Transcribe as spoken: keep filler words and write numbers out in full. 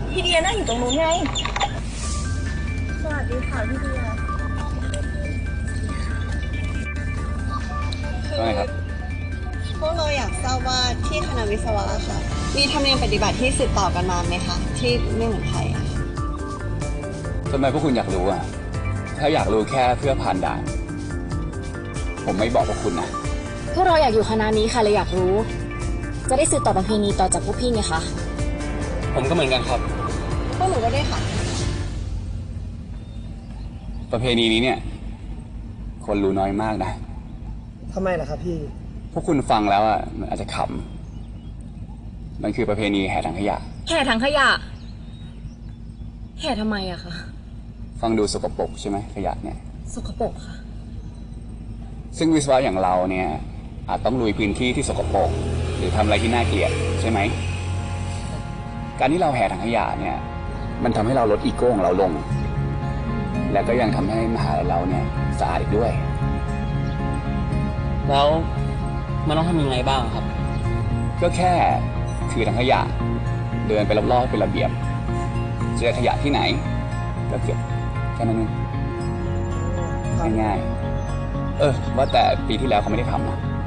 พี่เดียนั่งอยู่ตรงนู้นไงสวัสดีค่ะพี่เดียว่าไงครับพวกเราอยากทราบว่าที่คณะวิศวะค่ะมีธรรมเนียมปฏิบัติที่สืบต่อกันมาไหมคะที่ไม่เหมือนใครอะทำไมพวกคุณอยากรู้อ่ะถ้าอยากรู้แค่เพื่อผ่านด่านผมไม่บอกพวกคุณนะพวกเราอยากอยู่คณะนี้ค่ะเลยอยากรู้จะได้สืบต่อประเพณีต่อจากพวกพี่ไงคะผมก็เหมือนกันครับพวกหนูก็ได้ค่ะประเพณีนี้เนี่ยคนรู้น้อยมากนะทำไมล่ะครับพี่พวกคุณฟังแล้วอ่ะมันอาจจะขำมันคือประเพณีแห่ถังขยะแห่ถังขยะแห่ทำไมอะคะฟังดูสกปรกใช่ไหมขยะเนี่ยสกปรกค่ะซึ่งวิศวะอย่างเราเนี่ยอาจต้องลุยพื้นที่ที่สกปรกหรือทำอะไรที่น่าเกลียดใช่ไหมการที่เราแห่ถังขยะเนี่ยมันทำให้เราลดอีโก้ของเราลงและก็ยังทำให้มหาลัยเราเนี่ยสะอาดอีกด้วยแล้วมันต้องทำยังไงบ้างครับก็แค่ถือถังขยะเดินไปรอบๆเป็นระเบียบเจอขยะที่ไหนก็เก็บแค่นั้นเองง่ายๆเออว่าแต่ปีที่แล้วเขาไม่ได้ทำนะ